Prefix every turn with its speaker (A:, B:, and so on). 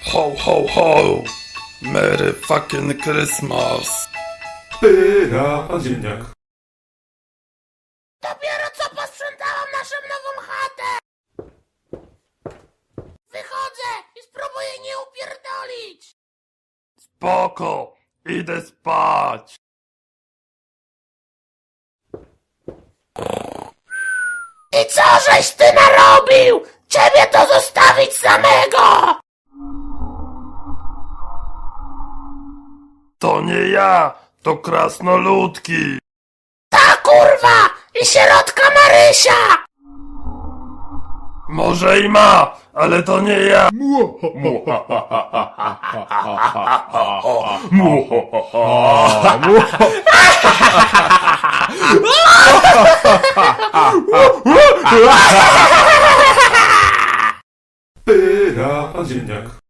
A: Ho, ho, ho! Merry fucking Christmas!
B: Pyra, pan ziemniak.
C: Dopiero co posprzątałam naszą nową chatę! Wychodzę i spróbuję nie upierdolić!
A: Spoko! Idę spać!
C: I co żeś ty narobił? Ciebie to zostawić samego!
A: To nie ja! To krasnoludki!
C: Ta kurwa! I sierotka Marysia!
A: Może i ma, ale to nie ja!
B: Pyra, pan ziemniak.